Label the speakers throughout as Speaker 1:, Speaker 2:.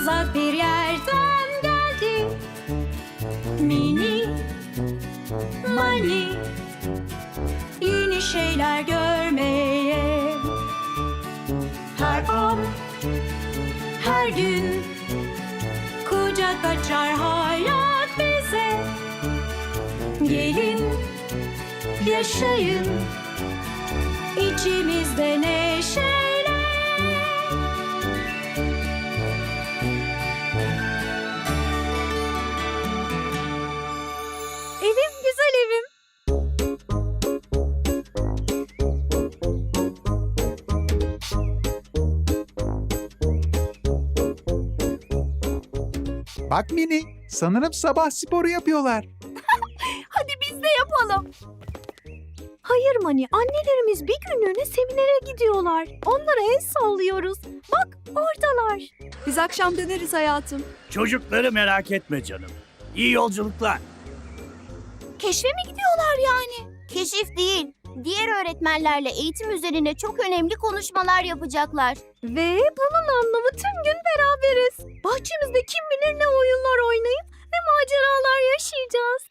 Speaker 1: uzak bir yerden geldi. Mini Mani, yeni şeyler görmeye. Her an, her gün kucak açar hayat bize. Gelin, yaşayın içimizde neşeyle. Evim güzel evim.
Speaker 2: Bak Mini, sanırım sabah sporu yapıyorlar.
Speaker 3: Hadi biz de yapalım. Hayır Mani, annelerimiz bir günlüğüne seminere gidiyorlar. Onlara el sallıyoruz. Bak oradalar. Biz akşam döneriz hayatım.
Speaker 4: Çocukları merak etme canım. İyi yolculuklar.
Speaker 5: Keşfe mi gidiyorlar yani? Keşif değil. Diğer öğretmenlerle eğitim üzerine çok önemli konuşmalar yapacaklar.
Speaker 3: Ve bunun anlamı tüm gün beraberiz. Bahçemizde kim bilir ne oyunlar oynayıp ne maceralar yaşayacağız.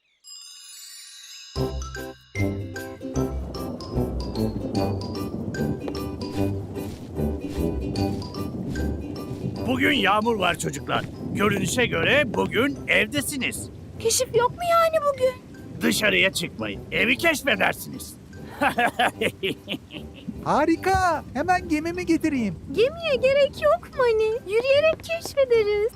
Speaker 4: Bugün yağmur var çocuklar. Görünüşe göre bugün evdesiniz.
Speaker 3: Keşif yok mu yani bugün?
Speaker 4: Dışarıya çıkmayın. Evi keşfedersiniz.
Speaker 2: Harika, hemen gemimi getireyim.
Speaker 3: Gemiye gerek yok Mani. Yürüyerek keşfederiz.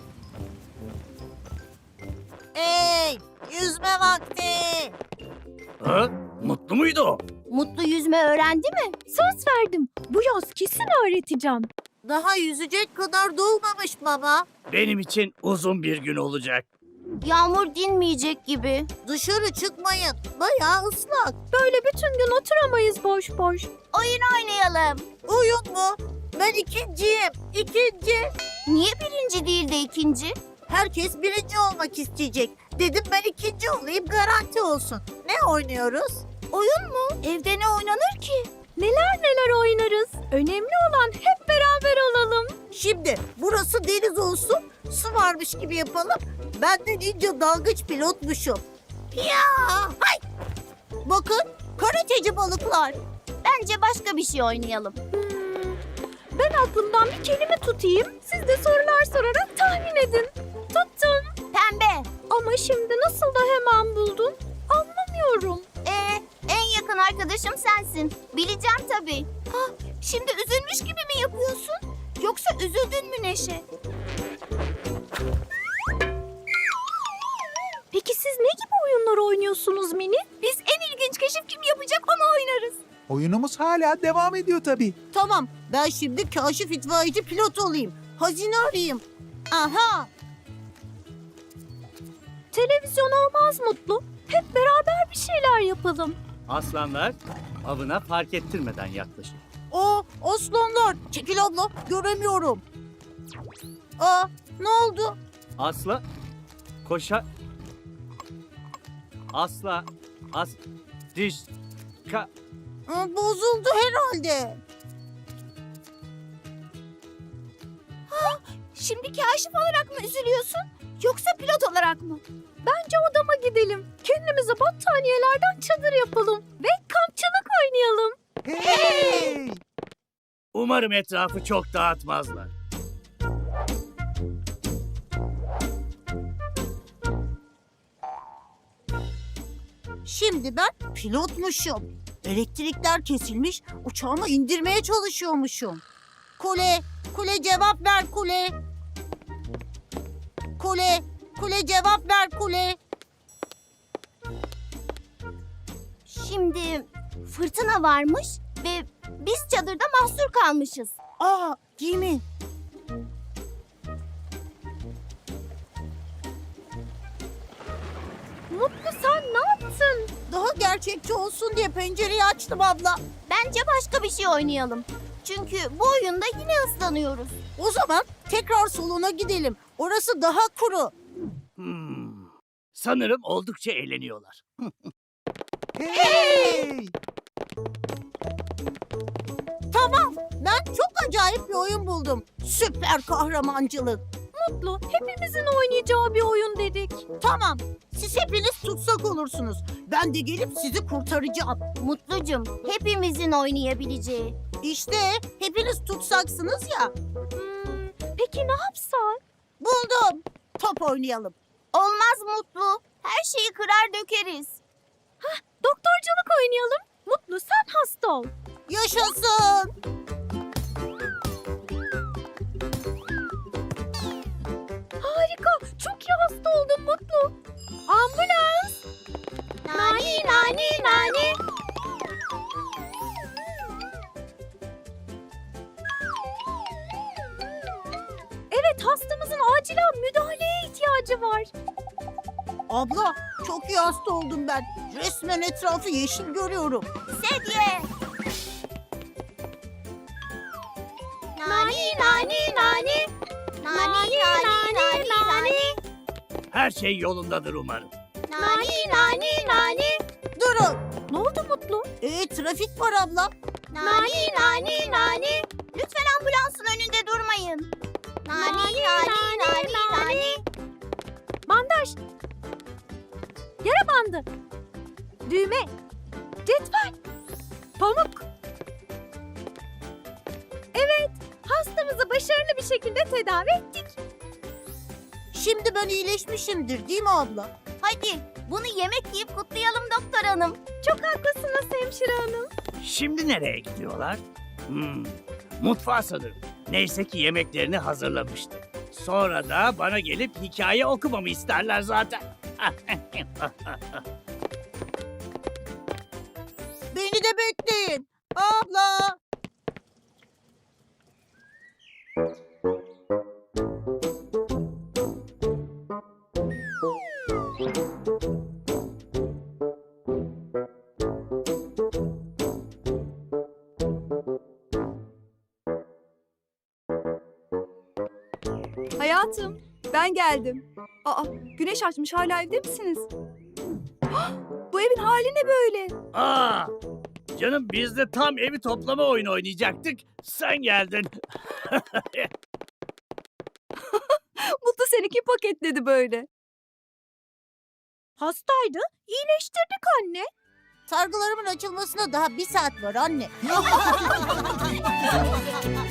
Speaker 6: Hey, yüzme vakti.
Speaker 4: Ha? Mutlu muydu o?
Speaker 5: Mutlu yüzme öğrendi mi?
Speaker 3: Söz verdim. Bu yaz kesin öğreteceğim.
Speaker 6: Daha yüzecek kadar doğmamış baba.
Speaker 4: Benim için uzun bir gün olacak.
Speaker 5: Yağmur dinmeyecek gibi.
Speaker 6: Dışarı çıkmayın. Bayağı ıslak.
Speaker 3: Böyle bütün gün oturamayız boş boş.
Speaker 5: Oyun oynayalım.
Speaker 6: Oyun mu? Ben ikinciyim. İkinci.
Speaker 5: Niye birinci değil de ikinci?
Speaker 6: Herkes birinci olmak isteyecek. Dedim ben ikinci olayım, garanti olsun. Ne oynuyoruz?
Speaker 5: Oyun mu? Evde ne oynanır ki?
Speaker 3: Neler neler oynarız. Önemli olan hep beraber olalım.
Speaker 6: Şimdi burası deniz olsun. Su varmış gibi yapalım. Ben de ninja dalgıç pilotmuşum. Ya, hay! Bakın, karateci balıklar.
Speaker 5: Bence başka bir şey oynayalım.
Speaker 3: Ben aklımdan bir kelime tutayım. Siz de sorular sorarak tahmin edin. Tuttum.
Speaker 5: Pembe.
Speaker 3: Ama şimdi nasıl da hemen buldun? Anlamıyorum.
Speaker 5: En yakın arkadaşım sensin. Bileceğim tabii. Şimdi üzülmüş gibi mi yapıyorsun? Yoksa üzüldün mü Neşe?
Speaker 3: Peki siz ne gibi oyunlar oynuyorsunuz Mini?
Speaker 5: Biz en ilginç keşif kim yapacak onu oynarız.
Speaker 2: Oyunumuz hala devam ediyor tabii.
Speaker 6: Tamam, ben şimdi kaşif itfaiyeci pilot olayım. Hazine arayayım. Aha!
Speaker 3: Televizyon olmaz Mutlu. Hep beraber bir şeyler yapalım.
Speaker 4: Aslanlar avına fark ettirmeden yaklaşın.
Speaker 6: O aslanlar. Çekil abla, göremiyorum. Aa, ne oldu?
Speaker 4: Asla koşa asla diş
Speaker 6: Bozuldu herhalde.
Speaker 5: Şimdi kaşif olarak mı üzülüyorsun? Yoksa pilot olarak mı?
Speaker 3: Bence odama gidelim. Kendimize battaniyelerden çadır yapalım. Ve kampçılık oynayalım.
Speaker 2: Hey!
Speaker 4: Umarım etrafı çok dağıtmazlar.
Speaker 6: Şimdi ben pilotmuşum. Elektrikler kesilmiş, uçağımı indirmeye çalışıyormuşum. Kule cevap ver kule. Kule cevap ver kule.
Speaker 5: Şimdi fırtına varmış ve biz çadırda mahsur kalmışız.
Speaker 6: Aa, gemi.
Speaker 3: Mutlu sen ne yaptın?
Speaker 6: Daha gerçekçi olsun diye pencereyi açtım abla.
Speaker 5: Bence başka bir şey oynayalım. Çünkü bu oyunda yine ıslanıyoruz.
Speaker 6: O zaman tekrar salona gidelim. Orası daha kuru.
Speaker 4: Sanırım oldukça eğleniyorlar.
Speaker 2: Hey!
Speaker 6: Tamam, ben çok acayip bir oyun buldum. Süper kahramancılık.
Speaker 3: Mutlu. Hepimizin oynayacağı bir oyun dedik.
Speaker 6: Tamam. Siz hepiniz tutsak olursunuz. Ben de gelip sizi kurtaracağım.
Speaker 5: Mutlucum, hepimizin oynayabileceği.
Speaker 6: İşte hepiniz tutsaksınız ya.
Speaker 3: Peki ne yapsak?
Speaker 6: Buldum. Top oynayalım.
Speaker 5: Olmaz Mutlu. Her şeyi kırar dökeriz.
Speaker 3: Doktorculuk oynayalım. Mutlu sen hasta ol.
Speaker 6: Yaşasın.
Speaker 3: Harika. Çok iyi hasta oldun Mutlu. Ambulans.
Speaker 5: Nani nani nani.
Speaker 3: Evet hastamızın acilen müdahaleye ihtiyacı var.
Speaker 6: Abla çok iyi hasta oldum ben. Resmen etrafı yeşil görüyorum.
Speaker 5: Sedye. Nani nani nani. Nani nani nani nani.
Speaker 4: Her şey yolundadır umarım.
Speaker 5: Nani nani nani.
Speaker 6: Durun.
Speaker 3: Ne oldu Mutlu?
Speaker 6: Trafik var abla.
Speaker 5: Nani nani nani. Lütfen ambulansın önünde durmayın. Nani nani nani nani.
Speaker 3: Bandaj. Yara bandı. Düğme. Cetvel. Pamuk. Evet, hastamızı başarılı bir şekilde tedavi ettik.
Speaker 6: Şimdi ben iyileşmişimdir değil mi abla?
Speaker 5: Hadi bunu yemek yiyip kutlayalım doktor hanım.
Speaker 3: Çok haklısınız hemşire hanım.
Speaker 4: Şimdi nereye gidiyorlar? Mutfağa sanırım. Neyse ki yemeklerini hazırlamıştım. Sonra da bana gelip hikaye okumamı isterler zaten.
Speaker 6: Beni de bekleyin. Abla.
Speaker 3: Hayatım, ben geldim. Aa, güneş açmış, hala evde misiniz? Hah, bu evin hali ne böyle?
Speaker 4: Aa, canım biz de tam evi toplama oyunu oynayacaktık. Sen geldin.
Speaker 3: Mutlu seni kim paketledi böyle? Hastaydı, iyileştirdik anne.
Speaker 6: Sargılarımın açılmasına daha 1 saat var anne.